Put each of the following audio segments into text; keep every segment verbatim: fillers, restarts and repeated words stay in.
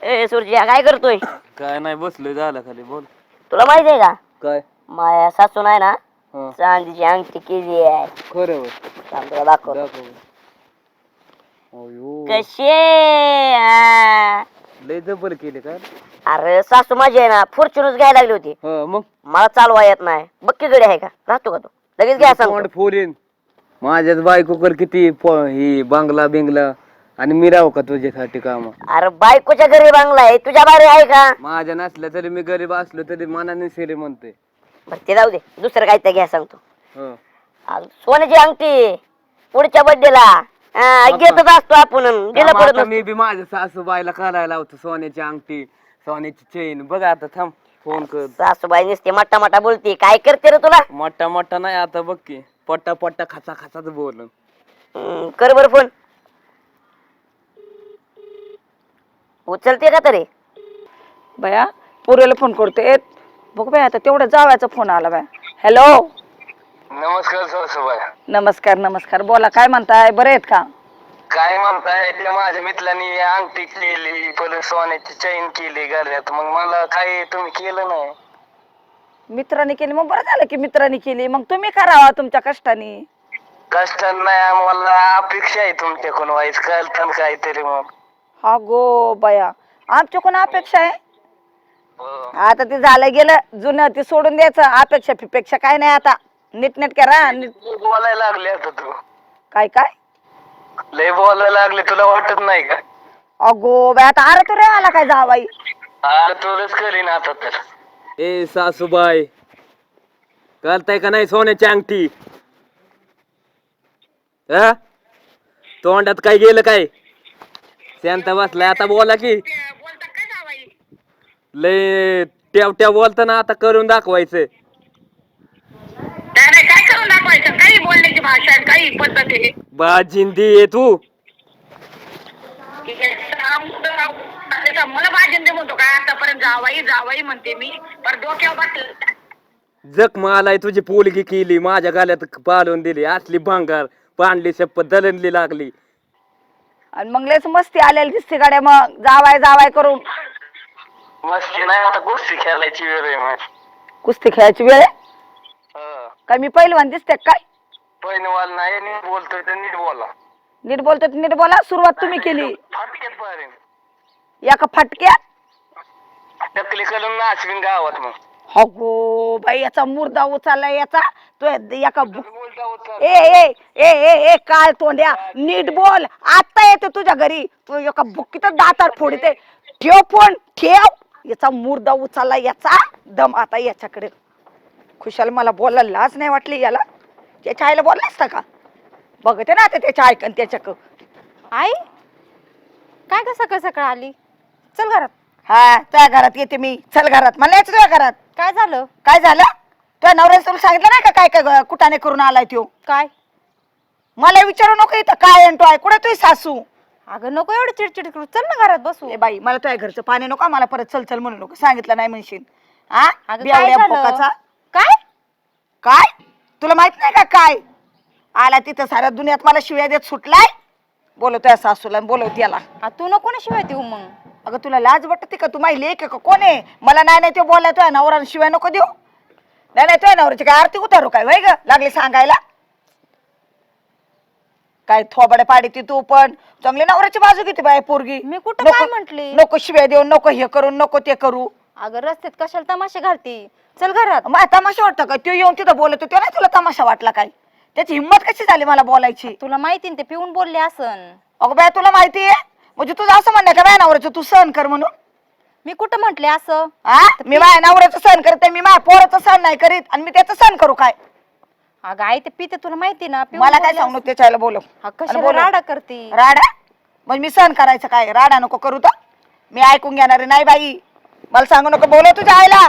ए सुरजिया काय करतोय? काय नाही बसलोय झालं खाली. बोल. तुला माहिती आहे का काय? माया सासून आहे ना हा चांदीची अंगठी केली आहे. खरं होय. थांब तुला दाखव. दाखव. अयो कशी आहे? लय जबर केले काय? अरे सासू माझी आहे ना फॉर्च्युनच घ्यायला लागली होती. हा मग मला चालवा येत नाही. बक्की गडी आहे का? राहतो का तू? लगेच घ्या सांगतो. तोंड फोडीन. माझ्याच बायको कर किती प- ही बांगला बिंगला आणि मी राहू का तुझ्यासाठी काम? अरे बायकोच्या घरी बांगला आहे तुझ्या बारी आहे का? माझ्या नसल्या तरी मी गरीब असलो तरी मनाने सेरे म्हणते. बरं ते जाऊ दे दुसरं काय तर घ्या सांगतो. हं. आ, सोन्याची अंगठी पुढच्या बर्थडेला घेतच असतो आपण गेलं थांब पडत आता नसतो. मी बी माझ्या सासूबाईला करायला लावतो सोन्याची अंगठी सोन्याची चेन. बघ आता थांब फोन कर. सासूबाई नुसते मट्टा मट्टा बोलते काय करते रे तुला? मोठा मोठा नाही आता बघ की पट्टा पट्टा खाचा खाचाच बोल. हम्म, कर बर फोन. उचलते का तरी? बया पोरीला फोन करते. बघ बाय आता तेवढा जावायचा फोन आला बाय. हॅलो नमस्कार सासूबाई. नमस्कार नमस्कार. बोला काय म्हणताय? बरे आहेत का? काय म्हणताय? त्या माझ्या मित्रांनी अंगठी केली परत सोन्याची चैन केली गळ्यात. मग मला काय तुम्ही केलं नाही? मित्रांनी केली मग बरं झालं की मित्रांनी केली. मग तुम्ही करावा तुमच्या कष्टाने. कष्ट नाही आम्हाला अपेक्षा आहे तुमच्याकडून व्हायच करताना काहीतरी. मग हा गो बया आमच्या कोण अपेक्षा आहे? हो. आता ते झालं गेलं जुनं ते सोडून द्यायचं. अपेक्षा फिपेक्षा काय नाही आता. नीट नेट करा. नीट लय बोलायला लागले आता तू. काय काय लय बोलायला लागले तुला वाटत नाही का? अगो बाय आता अरे तू रे आला काय जावाई? अरे तुलाच करीन आता तर. ए सासूबाई करताय का नाही सोन्याची अंगठी? हा तोंडात काय गेलं काय? शांत बसलाय आता बोला की. लय ट्याव ट्याव बोलता ना आता करून दाखवायचं. काय करून दाखवायचं? काही बोलण्याची भाषा आहे, काही पद्धत आहे. बाजिंदी आहे तू. मला भाजंदे म्हणतो काय? आतापर्यंत जावाई जावाई म्हणते मी पण डोक्यावर बसलं. जख मालाय तुझी पोलगी केली माझ्या गाल्यात पालवून दिली असली भांगार पांडली शपथ दलनली लागली. आणि मग लयच मस्ती आलेली दिसते गाड्या मग जावाय जावाय करून. मस्ती नाही आता गोष्टी खेळायची वेळ आहे. मग कुस्ती खेळायची वेळ आहे? हो. काय मी पहिलवान दिसते काय? पहिलवान नाही नीट बोलतोय तर नीट बोला. नीट बोलतो नीट बोला. सुरुवात तुम्ही केली फाटक्यात पाहिजे एका फटक्यात. टकली करून नाचवीन गावात. मग हो गो बाई याचा मुर्दा उचलला याचा. तो एका बु- बोलता होता. ए ए ए ए ए काय तोंड्या नीट बोल. आता येतो तुझ्या घरी तू एका बुक्कीत दातात फोडते. ठेव फोन ठेव. याचा मुर्दा उचलला याचा दम आता याच्याकडे. खुशाल मला बोलायला लाज नाही वाटली याला. त्याच्या आईला बोलला असता का? बघते ना आता त्याच्या ऐकन त्याच्या. आई काय का सकाळ सकाळ आली? चल घरात. हा तुझ्या घरात येते मी. चल घरात. मला यायचं तुझ्या घरात. काय झालं? काय झालं? तुझ्या नवऱ्याने तुला सांगितलं नाही का काय काय कुठाने करून आलाय तो? काय? मला विचारू नको इथं काय आणतो आहे कुठे तुझी सासू? अगं नको एवढं चिडचिड करू. चल ना घरात बसू. ए बाई मला तुझ्या घरचं पाणी नको. मला परत चल चल म्हणू नको. सांगितलं नाही म्हणशील. हा अगं, बेवड्या काय झालं? भोकाचा. काय? काय तुला माहित नाही का काय आला तिथं साऱ्या दुनियात मला शिव्या देत सुटलाय. बोलवतोय सासूला बोलवत याला. आ, तू नको ना शिवाय देऊ मग. अगं तुला लाज वाटते का? तू माहिती लेक का कोण आहे? मला नाही नाही ते बोलाय तुझ्या नवरा शिवाय नको देऊ. नाही नाही तुझ्या नवऱ्याची काय आरती उतारू काय वय ग लागली सांगायला? काय थोबडे पाडी ती तू पण चांगली नवऱ्याची बाजू घेते बाय पोरगी. मी कुठं नको- काय म्हंटली? नको शिव्या देऊ नको हे करू नको ते करू. अगं रस्त्यात कशाला तमाशा घालती? चल घरात. मग तमाशा वाटतं का? तो येऊन तिथं बोलतो तो नाही तुला तमाशा वाटला काय? त्याची हिंमत कशी झाली मला बोलायची? तुला माहिती ना ते पिऊन बोलले असन. अगं बाय तुला माहिती आहे म्हणजे तुझं असं म्हणणं का बाय नवऱ्याचं तू सहन कर म्हणून? मी कुठं म्हंटले असं? हा मी माझ्या नवऱ्याचं सहन करते. मी माझ्या पोराचं सहन नाही करीत आणि मी त्याचं सहन करू काय? अगं आई ते पिते तुला माहिती ना. पिऊन मला काय बोलले सांगू असन. त्याच्याला बोलव. हा, आणि कशाला बोलव. राडा करती? राडा मग मी सहन करायचं काय? राडा नको करू तर मी ऐकून घेणार नाही बाई. मला सांगू नको. बोलव तुझ्या आईला.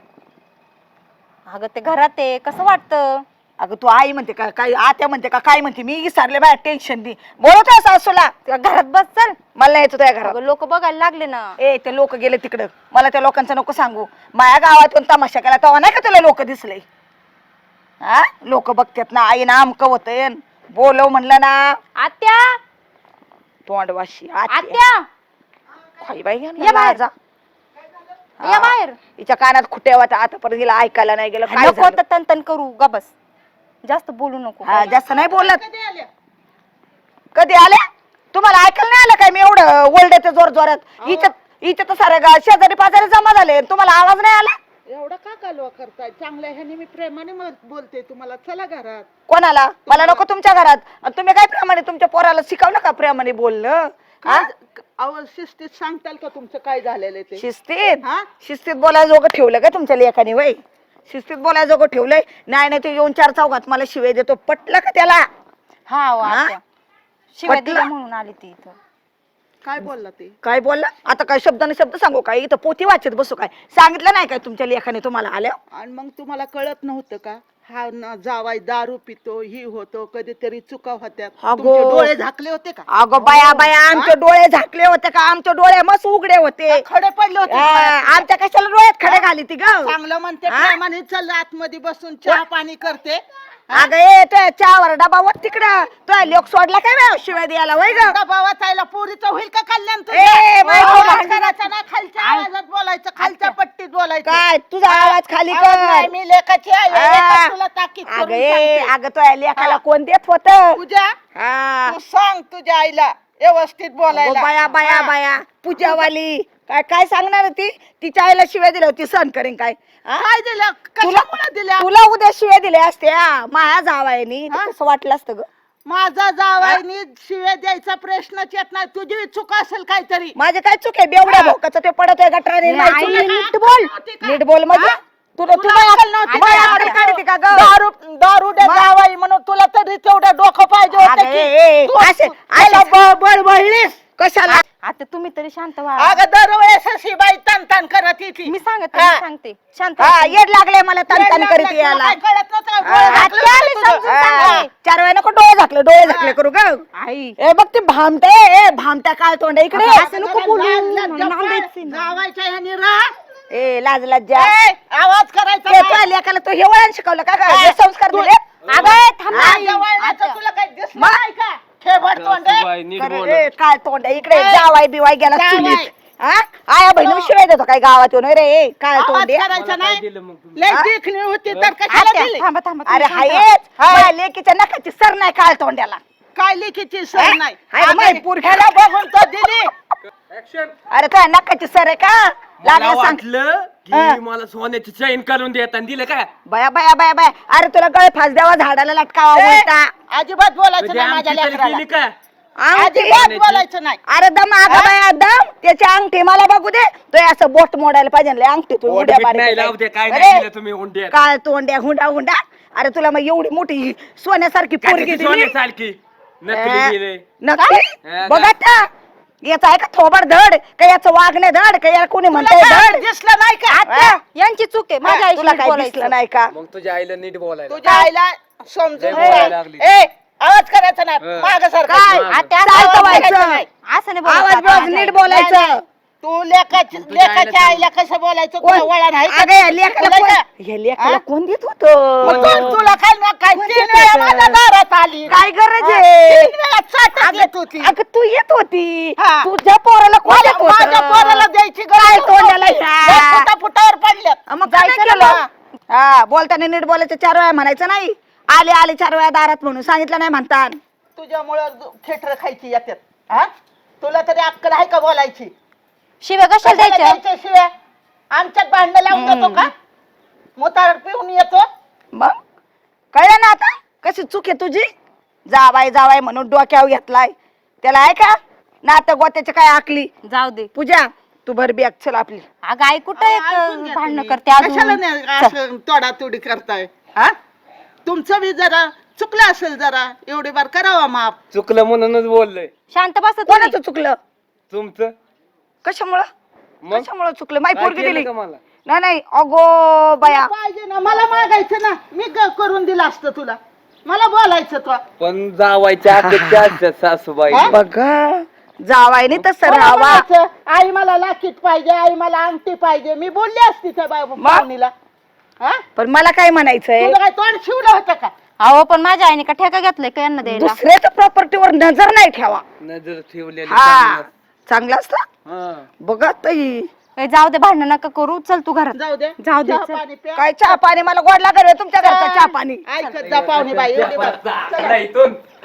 अगं ते घरात आहे कसं वाटतं? अगं तू आई म्हणते का काय आत्या म्हणते का काय म्हणते? मी विसरले बाय टेन्शन दे. बोलवतोय सासूला. तुला घरात बस चल. मला नाही यायचं तुझ्या घरात. अगं लोक बघायला लागले ना. ए ते लोक गेले तिकडं. मला त्या लोकांचं नको सांगू. माझ्या गावात कोण तमाशा केला तेव्हा नाही का तुला लोक दिसले? हा लोक बघतात ना आई ना आमक होतय. बोलव म्हणलं ना. आत्या तोंडवाशी आत्या खाई बाई या यांना बाहेर. लाजा. या हा. बाहेर. हिच्या कानात खुट्या होत्या आतापर्यंत हिला ऐकायला नाही गेलं काय नको झालं? तर तन तन करू गा बस. जास्त बोलू नको. हा, जास्त नाही बोलत. कधी आल्या तुम्हाला ऐकायला नाही आलं काय मी एवढं ओरडते जोर जोरात इथं इथं तर सारे गा- शेजारी पाजारी जमा झाले तुम्हाला आवाज नाही आला एवढा का कालवा करताय? चांगल्या ह्याने मी प्रेमाने मग बोलते तुम्हाला, चला घरात. कोणाला मला नको तुमच्या घरात आणि तुम्ही काय प्रेमाने तुमच्या पोराला शिकवलं का प्रेमाने बोलणं हा? काय- अहो शिस्तीत सांगताल का तुमचं काय झालेलं ते? शिस्तीत हा? शिस्तीत बोलायला जोगं ठेवलं का तुमच्या लेखाने वय शिस्तीत बोलायला जोगं ठेवलंय नाही नाही तू येऊन चार चौघात मला शिवे देतो पटलं का त्याला हा हो, हा? आत्या. शिवाय पटलं? दिल्या म्हणून आली ती इथं. काय बोलला ते? काय बोलला आता काय शब्दाने शब्द सांगू काय इथं पोती वाचत बसू काय सांगितलं नाही काय तुमच्या लेखाने तुम्हाला आल्या आणि मग तुम्हाला कळत नव्हतं का हा न जावाय दारू पितो ही होतो कधीतरी चुका होत्यात? अगो. तुमचे डोळे झाकले होते का? अगं बाया बाया आमचे डोळे झाकले होते का आमचे डोळे मस्त उघडे होते खडे पडले होते आ, डोळ्यात? आमच्या कशाला डोळ्यात खडे घाली ती ग चांगलं म्हणते हा? प्रेमाने, चल आतमध्ये बसून चहा पाणी करते. अगं ए तो चहावर डबा वर तिकडं तो लोक सोडला काय बा शिवाय द्यायला वय ग बाबा ताईला पोरीचं होईल का कल्याण तुझं? ए, बाई, आवाज बाई, करायचा नाही, खालच्या आवाजात बोलायचं, खालच्या पट्टीत बोलायचं. काय तुझा आवाज खाली आवाज कर नाही, मी लेखाची आहे, आ. लेखात तुला ताकीद अगं करून ए सांगते. अगं तो लेखाला कोण देत होत पूजा, तू सांग तुझ्या आईला व्यवस्थित बोलायला. बाया बाया हा. बाया पूजावाली काय काय सांगणार ती तिच्या आईला शिव्या दिल्या होती सण करेन काय हा? काय दिलं? तुला कशामुळे दिल्या? तुला उद्या शिव्या दिल्या असत्या माया जावायनी हा? कसं वाटलं असतं ग माझा जावाईनी शिव्या द्यायचा प्रश्नच येत नाही. तुझी चूक असेल काहीतरी. माझे काय चूक आहे बेवड्या हा. भोकाचं ते पडत आहे गटराने नाही, नाही, तुला काय नीट बोल नव्हती का? नीट बोल म्हणजे हा? तुला तुला तुला अक्कल नव्हती तुला का? अक्कल काढते का ग दारू दारू दे जावाई म्हणून तुला तरी तेवढं डोकं पाहिजे होतं अगं, की ए, ए, तू- असे- तू- त्याला असे- ब- बळबळलीस. कशाला आता तुम्ही तरी शांत व्हा. अगं दरवेळेस अशी बाई तान तान करत येते. मी सांगते हा. मी सांगते शांत हा व्हा. येड लागले मला तन तन तुला करीत काय यायला कळत नव्हतं? हा. डोळे झाकले आत्या, होते मी तुझं. समजून हा. सांगते. चार वेळा नको डोळे झाकले डोळे झाकले करू ग आई ए बघ ते भामटे ए भामट्या काय तोंड इकडे असं नको बोलू. लाज- मला लाज- नांदायचंय ना. जावायच्या ह्यानी राह. ए लाज लज्जा ए, आवाज करायचा ते नाही. तुझ्या लेकाला तो हे वळण शिकवलं का हा. हे संस्कार तू- दिले अगं थांब ना. माझ्या वळणाचं तुला काही दिसलं नाही का? खेबड तोंड आहे. सासूबाई, नीट अरे, बोला. ए, काय तोंड आहे? इकडे ए, जावाय बिवाय गेला जावाई. चुलीत हा आया बहिणी शिवाय देतो काय गावात येऊन रे ए, काय आवाज तोंड आहे? करायचा मला काय नाही. दिलं मग तुम्ही? लय हा? देखणी होती तर कशाला आत्या, दिली? थांबा थांबा अरे तुम्ही शांत व्हा. हायच माझ्या लेकीच्या नखाची सर नाही काळ तोंड्याला काय लिखीची सर नाही. हाय का अगं, माही पोरगी? ह्याला बघून तो दिली. Action. अरे तुझ्या नखाची सर आहे का मला लागलं सांग वाटलं हा. की मला सोन्याची चैन करून देत आणि दिलं काय बया बया बया बया अरे तुला गळ फास द्यावा झाडाला लटकावा ए, बोलता अजिबात बोलायचं म्हणजे नाही माझ्या आमची तरी लेकराला. केली का अंगठी अजिबात बोलायचं नाही. अरे दम आगा बाया दम त्याची अंगठी मला बघू दे तो असं बोट मोडायला पाहिजे ना, लय अंगठी तू पोट उड्या बीट नाही लावू दे काय अरे, नाही दिलं तुम्ही उंड्यात काय तोंड्या हुंडा हुंडा अरे तुला मग एवढी मोठी सोन्यासारखी पोरगी दिली सोन्यासारखी नकली दिले नक्की हा, बघा त्या याचा आहे का थोबड धड का याचं वागणे धड का याला कोणी तुला म्हणतंय काय धड दिसलं नाही का? हा? यांची चूक आहे माझ्या हा, तुला आईशी काय बोलायचं दिसलं नाही का मग तुझ्या आईला नीट बोलायला तुझ्या आईला समजून लय बोलायला सांग. लागली. ए, आवाज करायचा नाही हा. माग काय सारखं आत्या, चालतं आवाज व्हायचं. करायचा नाही. असं नाही बोलायचं आवाज आता बिवाज माझ्या नीट आईला. बोलायचं तू लेखाची तुझ्या आईला लेखाच्या सांग. आईला कसं बोलायचं कोण? तुला वळण आहे का? अगं या लेकाला तुला कोण- काय? या लेकाला हा? कोण देत मग होत कोण तुला काय ना काय कोण तीन देत वेळा होतं? माझ्या दारात आली काय गरज हा, आहे तीन वेळा चाटत येत होती. अगं तू येत होती हा. तुझ्या पोराला कोण माझ्या देत होतं? माझ्या पोराला द्यायची काय गरज तोंडाला नव्हती. ह्या? लय फुटा फुटावर पडल्यात. अं, मग काय जायचं केलं ना. हा बोलताना नीट बोलायचं चार वेळा म्हणायचं नाही आले आले चार वेळा दारात म्हणून सांगितलं नाही म्हणतात तुझ्यामुळं खेटर खायची येतात. हा तुला तरी अक्कल आहे का बोलायची? शिव्या कशाला कशाला द्यायच्या द्यायच्या शिव्या? आमच्यात भांडण लावून देतो का? मोतार पिऊन येतो. मग कळलं ना आता कशी चूक आहे तुझी जावाय जावाय म्हणून डोक्यावर घेतलाय त्याला आहे का नातं गोत्याची काय आकली जाऊ दे पूजा तू भर बॅग चल आपली अगं आई कुठं ऐकून एक घ्या भांडणं तुम्ही. करते कशाला अजून नाही असं तोडातोडी करताय? हा तुमचं बी जरा चुकलं असेल जरा एवढी बार करावा माफ. चुकलं म्हणूनच बोललोय शांत बसा तुम्ही. कोणाचं चुकलं तुमचं कशामुळं मग कशामुळं चुकलं माही काय पोरगी केलं दिली का मला? नाही नाही अगो बाया पाहिजे ना मला मागायचं ना मी ग- करून दिलं असतं तुला. मला बोलायचं तो पण जावायच्या अपेक्षा असतात सासूबाई हा? बघा जावायने तसं मला राहावा म्हणायचं, आई मला लाकीट पाहिजे आई मला अंगठी पाहिजे मी बोलली असती त्या बाय पाहुणीला. हा पण मला काय म्हणायचंय तुला काय तोंड शिवलं होतं का? अहो पण माझ्या आईने का ठेका घेतलाय का यांना द्यायला दुसऱ्याच्या प्रॉपर्टीवर नजर नाही ठेवा नजर ठेवलेली हा चांगलं. चांगलं असतं हा. बघा ताई ए, जाऊ दे, भांडण नका करू. चल तू घरात. जाऊ दे जाऊ दे, चहा चल. पाणी प्या. काय चहा पाणी मला गोड लागत तुमच्या घरचा चहा पाणी ऐकत जा पाहुणे बाई एवढी बार. जा, इथून